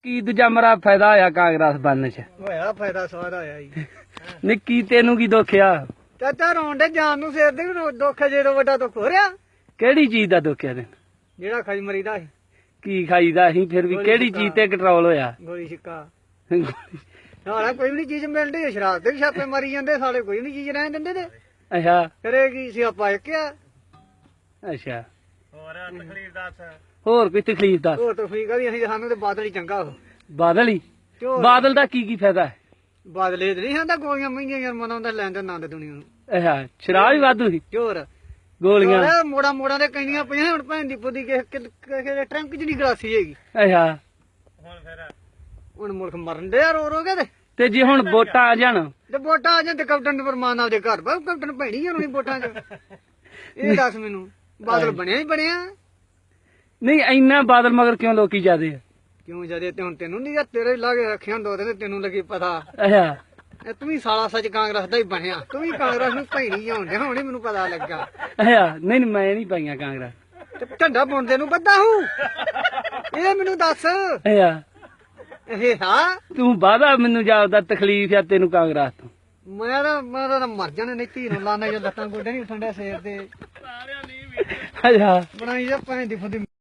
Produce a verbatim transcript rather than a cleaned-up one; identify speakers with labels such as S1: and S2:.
S1: ਕੀ ਦੂਜਾ ਮਰਾ ਫਾਇਦਾ ਹੋਇਆ ਕਾਂਗਰਸ ਬਣਨ ਚ?
S2: ਹੋਇਆ ਫਾਇਦਾ ਸਾਰਾ ਹੋਇਆ ਜੀ।
S1: ਨਹੀਂ ਕੀ ਤੈਨੂੰ ਕੀ ਦੁੱਖ ਆ?
S2: ਚਾਚਾ ਰੋਣ ਦੇ ਜਾਨ ਨੂੰ ਸਿਰ ਦੇ ਵੀ ਦੁੱਖ ਜਦੋਂ ਵੱਡਾ ਦੁੱਖ ਹੋ ਰਿਹਾ।
S1: ਕਿਹੜੀ ਚੀਜ਼ ਦਾ ਦੁੱਖ ਆ ਤੈਨੂੰ?
S2: ਜਿਹੜਾ ਖਾਈ ਮਰੀਦਾ ਸੀ
S1: ਕੀ ਖਾਈਦਾ ਅਸੀਂ ਫਿਰ ਵੀ ਕਿਹੜੀ ਚੀਜ਼ ਤੇ ਕੰਟਰੋਲ ਹੋਇਆ?
S2: ਗੋਲੀ ਛਿੱਕਾ ਸਾਰਾ ਕੋਈ ਵੀ ਨੀ ਚੀਜ਼ ਮਿਲਦੀ। ਸ਼ਰਾਬ ਤੇ ਵੀ ਛਾਪੇ ਮਾਰੀ ਜਾਂਦੇ ਸਾਲੇ, ਕੋਈ ਨੀ ਚੀਜ਼ ਰਹਿਣ ਦਿੰਦੇ ਤੇ
S1: ਅੱਛਾ
S2: ਕਰੇਗੀ ਸਿਆਪਾ ਇੱਕ ਆ।
S1: ਅੱਛਾ
S2: ਹੋਰ ਤਕਲੀਫ ਦੱਸ।
S1: ਹੋਰ ਕੋਈ ਤਕਲੀਫ ਦੱਸ।
S2: ਹੋਰ ਤਕਲੀਫ ਆ ਵੀ ਅਸੀਂ ਸਾਨੂੰ ਤੇ ਬਾਦਲ ਹੀ ਚੰਗਾ।
S1: ਬਾਦਲ ਹੀ? ਬਾਦਲ ਦਾ ਕੀ ਕੀ ਫਾਇਦਾ ਹੈ?
S2: ਬਾਦਲੇ ਤੇ ਨਹੀਂ ਆਂਦਾ ਗੋਲੀਆਂ ਮਹਿੰਗੀਆਂ ਯਾਰ ਮਨਾਉਂਦਾ ਲੈਣ ਦੇ ਨਾਂ ਦੇ ਦੁਨੀਆ ਨੂੰ।
S1: ਅੱਛਾ ਸ਼ਰਾਬ ਵੀ ਵਾਧੂ ਸੀ?
S2: ਹੋਰ
S1: ਗੋਲੀਆਂ
S2: ਮੋੜਾ ਮੋੜਾ ਦੇ ਕਹਿੰਦੀਆਂ ਪਈਆਂ। ਹੁਣ ਭੈਣ ਦੀ ਪੁੱਦੀ ਕਿਸੇ ਟਰੰਕ ਚ ਨਹੀਂ ਗਲਾਸੀ ਹੈਗੀ।
S1: ਅੱਛਾ
S2: ਹੁਣ ਫਿਰ ਹੁਣ ਮੁਲਕ ਮਰਨ ਦੇ ਰੋ ਰੋ ਕੇ।
S1: ਤੇ ਜੇ ਹੁਣ ਵੋਟਾਂ ਆ ਜਾਣ
S2: ਤੇ ਵੋਟਾਂ ਆ ਜਾਣ ਤੇ ਕੈਪਟਨ ਫਰਮਾਨ ਆਪਦੇ ਘਰ ਬਾ ਕੈਪਟਨ ਭੈਣੀ ਹੋਣੀ ਵੋਟਾਂ ਚ। ਇਹ ਦੱਸ ਮੈਨੂੰ ਬਾਦਲ ਬਣਿਆ ਹੀ ਬਣਿਆ।
S1: ਨਹੀਂ ਇੰਨਾ ਬਾਦਲ ਮਗਰ ਕਿਉਂ ਲੋਕੀ ਜਾਦੇ ਆ?
S2: ਕਿਉਂ ਜਦੇ ਤੇ ਹੁਣ ਤੈਨੂੰ ਨਹੀਂ ਤੇਰੇ ਲਾਗੇ ਰੱਖਿਆ ਦੋ ਤੇ ਤੈਨੂੰ ਲੱਗੀ ਪਤਾ।
S1: ਅੱਛਾ
S2: ਤੂੰ ਵੀ ਸਾਲਾ ਸੱਚ ਕਾਂਗਰਸ ਦਾ ਹੀ ਬਣਿਆ। ਤੂੰ ਵੀ ਕਾਂਗਰਸ ਨੂੰ ਭੈਣੀ ਹੋਣ ਡਿਆ। ਹੁਣ ਮੈਨੂੰ ਪਤਾ ਲੱਗਾ।
S1: ਅੱਛਾ ਨਹੀਂ ਨਹੀਂ ਮੈਂ ਨਹੀਂ ਪਾਈਆਂ ਕਾਂਗਰਸ।
S2: ਤੇ ਝੰਡਾ ਪਾਉਂਦੇ ਨੂੰ ਬੱਦਾ ਹੂੰ ਇਹ ਮੈਨੂੰ ਦੱਸ।
S1: ਅੱਛਾ
S2: ਇਹ ਹਾਂ
S1: ਤੂੰ ਵਾਦਾ ਮੈਨੂੰ ਜਾਪਦਾ ਤਕਲੀਫ ਆ ਤੈਨੂੰ ਕਾਂਗਰਸ ਤੋਂ।
S2: ਮੈਂ ਤਾਂ ਮੈਂ ਤਾਂ ਮਰ ਜਾਣਾ ਨਹੀਂ। ਧੀ ਨੂੰ ਲਾਣਾ ਜੇ ਲੱਤਾਂ ਗੋਡੇ ਨਹੀਂ ਉੱਠਣ ਡਿਆ ਸਿਰ ਤੇ।
S1: ਅੱਛਾ
S2: ਬਣਾਈ ਜਾ ਭੈਣ ਦੀ ਫੁੱਦੀ।